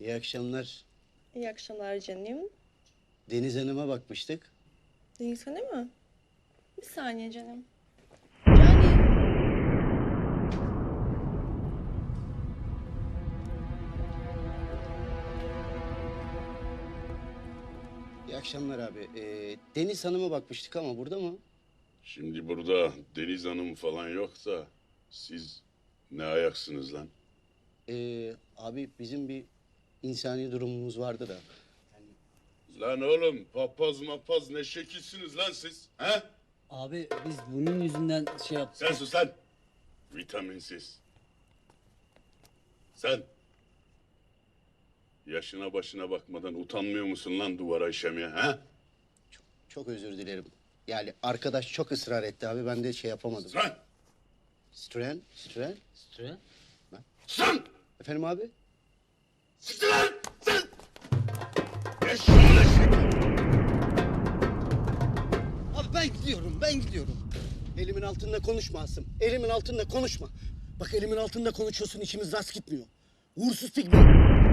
İyi akşamlar. İyi akşamlar canım. Deniz Hanım'a bakmıştık. Deniz Hanım mı? Bir saniye canım. Canım. İyi akşamlar abi. Deniz Hanım'a bakmıştık ama burada mı? Şimdi burada Deniz Hanım falan yoksa siz ne ayaksınız lan? Abi bizim bir insani durumumuz vardı da. Lan oğlum papaz mapaz ne şekilsiniz lan siz? He? Abi biz bunun yüzünden şey yaptık. Sen sus lan. Vitaminsiz. Sen. Yaşına başına bakmadan utanmıyor musun lan duvara işemeye he? Çok özür dilerim. Yani arkadaş çok ısrar etti abi. Ben de şey yapamadım. Lan! Stren. Süre. Sen! Efendim abi? Siktir lan! Sen! Eşşoğlu eşek! Abi ben gidiyorum. Elimin altında konuşma Asım. Elimin altında konuşma. Bak elimin altında konuşuyorsun, içimiz rast gitmiyor. Uğursuz pigme.